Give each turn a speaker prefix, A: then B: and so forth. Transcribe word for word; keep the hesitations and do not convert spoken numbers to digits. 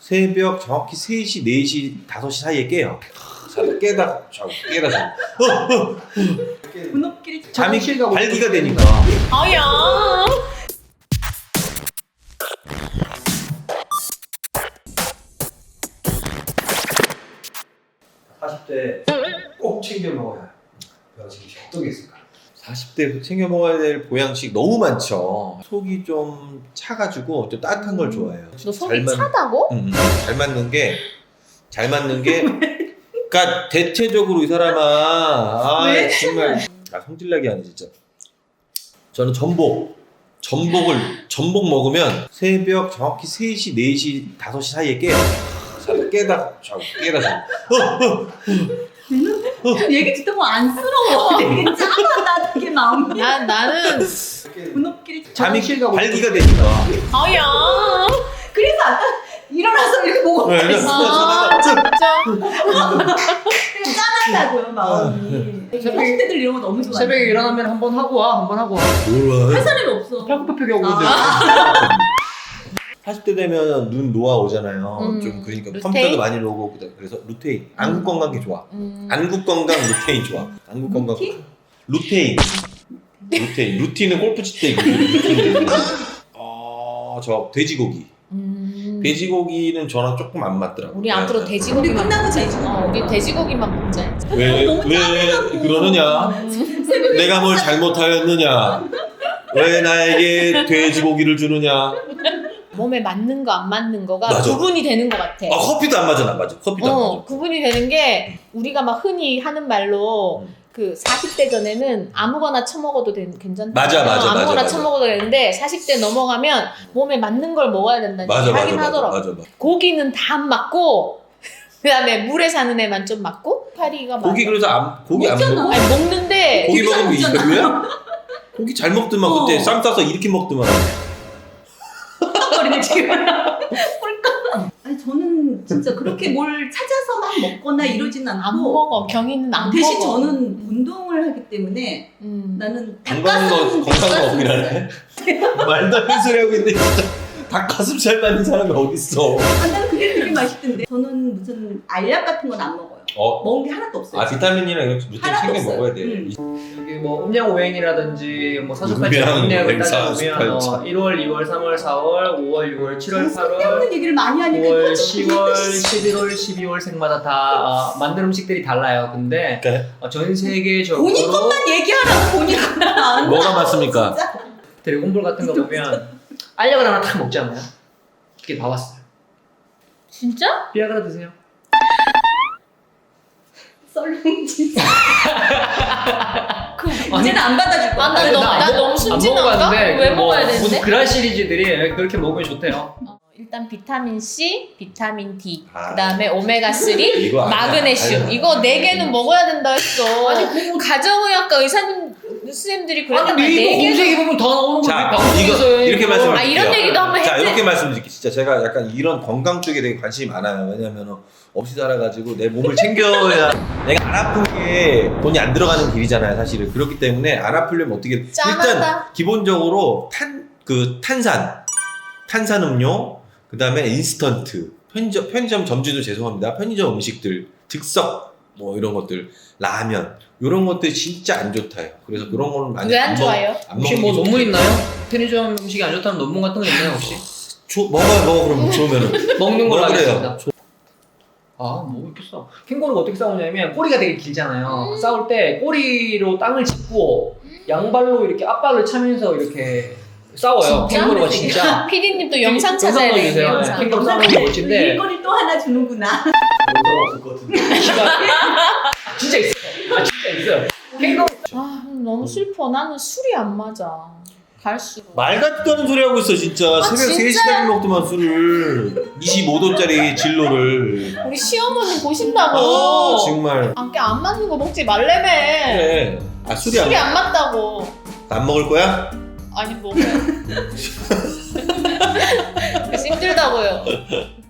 A: 새벽 정확히 세 시, 네 시, 다섯 시 사이에 깨요. 자다 깨다 자고 깨다 자고. 어, 어.
B: 분업길이
A: 잠이 발기가 되니까.
C: 아야.
D: 사십 대 꼭 챙겨 먹어야 할 보양식이 어떤 게 있을까?
A: 사십 대 챙겨 먹어야 될 보양식 너무 많죠. 속이 좀 차가지고 좀 따뜻한 걸 좋아해요.
C: 너 속이
A: 잘 맞-
C: 차다고?
A: 음, 음. 잘 맞는 게, 잘 맞는 게, 그러니까 대체적으로 이 사람아, 아
B: 왜?
A: 정말, 아 성질나게 하네 진짜. 저는 전복, 전복을 전복 먹으면 새벽 정확히 세 시, 네 시, 다섯 시 사이에 깨요. 자다 깨다 자고 깨다 자고.
B: 얘기 듣다 보면 안쓰러워. 되게 짠하다 되게 마음이.
C: 나 나는
B: 분업길이
A: 잠이
D: 화장실 가고
A: 발기가 되니까.
C: 아야.
B: 그래서 아까 일어나서 이렇게 보고
A: 네,
B: 있어.
C: 아 진짜.
B: 되게 짠하다고요 마음이. 사십 대들 이런 거 너무 좋아해.
D: 새벽에 일어나면 한 번 하고 와, 한 번 하고 와.
A: 뭘
B: 할 사람이 없어.
D: 펴고펴기 하고 있는데.
A: 사십 대 되면 눈 노화 오잖아요.
C: 음,
A: 좀 그러니까
C: 루테인?
A: 컴퓨터도 많이 오고 그래서 루테인, 안구 건강에 좋아.
C: 음.
A: 안구 건강 루테인 좋아. 안구 건강.
B: 루틴?
A: 루테인. 루테인. 루틴은 골프 칠 때 루테인. 어, 저 돼지고기.
C: 음.
A: 돼지고기는 저랑 조금 안 맞더라고요.
C: 우리 앞으로
B: 우리
C: 돼지고기만
B: 끝나고
C: 먹자.
B: 돼지고기.
C: 어, 우리 돼지고기만 먹자.
A: 왜,
B: 너무
A: 왜
B: 짠하다고.
A: 그러느냐?
B: 새벽에
A: 내가 뭘 잘못하였느냐? 왜 나에게 돼지고기를 주느냐?
C: 몸에 맞는 거 안 맞는 거가
A: 맞아.
C: 구분이 되는 것 같아.
A: 아, 커피도 안 맞아, 안 맞아. 커피도 안
C: 어,
A: 맞아.
C: 구분이 되는 게 우리가 막 흔히 하는 말로
A: 음.
C: 그 사십 대 전에는 아무거나 처먹어도 되, 괜찮다.
A: 맞아, 맞아,
C: 아무거나
A: 맞아, 맞아.
C: 처먹어도 되는데 사십 대 넘어가면 몸에 맞는 걸 먹어야 된다는
A: 맞아,
C: 얘기
A: 맞아,
C: 하긴
A: 맞아,
C: 하더라고.
A: 맞아, 맞아.
C: 고기는 다 안 맞고 그다음에 물에 사는 애만 좀 맞고 파리가
A: 고기
C: 맞아.
A: 그래서 안, 고기 안
B: 먹잖아.
A: 먹어?
C: 아니 먹는데
A: 고기
B: 고기 잘
A: 먹으면 이
B: 먹잖아.
A: 별로야? 고기 잘 먹더만
B: 어.
A: 그때 쌈 싸서 이렇게 먹더만.
B: 헐떡거리네 지금. 헐떡. 아니 저는 진짜 그렇게 뭘 찾아서만 먹거나 이러진
C: 안
B: 않고
C: 먹어. 경이는 안
B: 대신
C: 먹어.
B: 저는 운동을 하기 때문에
C: 음.
B: 나는
A: 건강한 거,
B: 닭가슴
A: 건강한 거 먹이라네. 말도 안 되는 소리 하고 있는데 진짜 닭가슴살 맞는 사람이 어딨어.
B: 아, 나는 그게 되게 맛있던데. 저는 무슨 알약 같은 건 안 먹어요.
A: 어?
B: 먹은 게 하나도 없어요.
A: 아 비타민이랑 이런 루틴
B: 하나도
A: 챙겨
B: 없어요.
A: 먹어야 돼.
B: 음.
D: 이게 뭐 음양오행이라든지 뭐 사주팔자
A: 음양,
D: 공략을
A: 오행,
D: 따져보면
A: 사주팔자.
D: 어, 일월, 이월, 삼월, 사월, 오월, 유월, 칠월, 팔월,
B: 쓸데없는 얘기를 많이 하니까
D: 구월,
B: 터지고
D: 시월, 십일월, 십이월 생마다 다 어, 만든 음식들이 달라요. 근데
A: 그러니까
D: 어, 전 세계적으로
B: 본인 것만 얘기하라고 본인 것만.
A: 뭐가 맞습니까?
B: 진짜.
D: 드래곤볼 같은 거 보면 알약을 하나 탁 먹잖아요. 이게 봐봤어요.
C: 진짜?
D: 비아그라 드세요.
B: 썰렁지. 그 이제는 안 받아줄 거야.
C: 아, 나
D: 아니,
C: 너무-
D: 안
C: 나
D: 먹-
C: 너무
D: 안
C: 순진한가?
D: 먹어봤는데
C: 왜
D: 그 뭐
C: 먹어야 되는데?
D: 무슨 그란 시리즈들이 그렇게 먹으면 좋대요.
C: 어, 일단 비타민 C, 비타민 D,
A: 아.
C: 그다음에 오메가 삼,
A: 이거 아니야.
C: 마그네슘
A: 아니야.
C: 이거 네 개는 먹어야 된다 했어.
D: 아니,
C: 가정의학과 의사님 선생님들이 그랬단
D: 아니
C: 말이야.
D: 네이버
C: 네 개는-
D: 검색해 보면 다 나오는 거지.
A: 자
D: 방송에서
A: 이거 이렇게 말씀을
C: 아, 이런
A: 드릴게요.
C: 얘기도 한번
A: 자
C: 했지.
A: 이렇게 말씀드릴게요. 진짜 제가 약간 이런 건강 쪽에 되게 관심이 많아요. 왜냐면 없이 살아가지고 내 몸을 챙겨야 내가 안 아픈 게 돈이 안 들어가는 길이잖아요. 사실은 그렇기 때문에 안 아프려면 어떻게 일단
C: 짠하다.
A: 기본적으로 탄 그 탄산 탄산 음료 그 다음에 인스턴트 편의점 편의점 점주도 죄송합니다. 편의점 음식들 즉석 뭐 이런 것들 라면 이런 것들 진짜 안 좋다요. 그래서 그런 거는 많이
C: 왜 안
A: 먹-
C: 좋아요?
A: 안
D: 혹시
A: 먹는
D: 뭐
A: 게
D: 논문
A: 좋대요.
D: 있나요? 편의점 음식이 안 좋다는 논문 같은 거 있나요 혹시?
A: 조, 먹어요 먹어 그럼 좋으면은
D: 먹는 걸로
A: 먹으래요.
D: 하겠습니다. 아, 뭐 이렇게 싸? 캥거루가 어떻게 싸우냐면 꼬리가 되게 길잖아요. 싸울 때 꼬리로 땅을 짚고 양발로 이렇게 앞발을 차면서 이렇게 싸워요.
C: 진짜?
D: 캥거루가 진짜.
C: 피디님도 영상 찾아야
D: 영상
C: 돼.
D: 넣어주세요.
C: 영상.
D: 네. 캥거루 싸우는 거 멋진데
B: 일거리 또 하나 주는구나.
D: 없을 것 같은데. 진짜 있어요. 아, 진짜 있어요. 캥거루
C: 아 너무 슬퍼. 나는 술이 안 맞아. 갈수록.
A: 말 같지도 않은 소리 하고 있어 진짜. 새벽
C: 진짜?
A: 세 시까지 먹더만 술을 이십오 도짜리 진로를.
C: 우리 시어머니 보신다고.
A: 아 정말
C: 안게 안 맞는 거 먹지 말래매.
A: 그래. 아 술이 안,
C: 술이 안 맞다고.
A: 안 먹을 거야?
C: 아니 먹어요. 그래서 힘들다고요.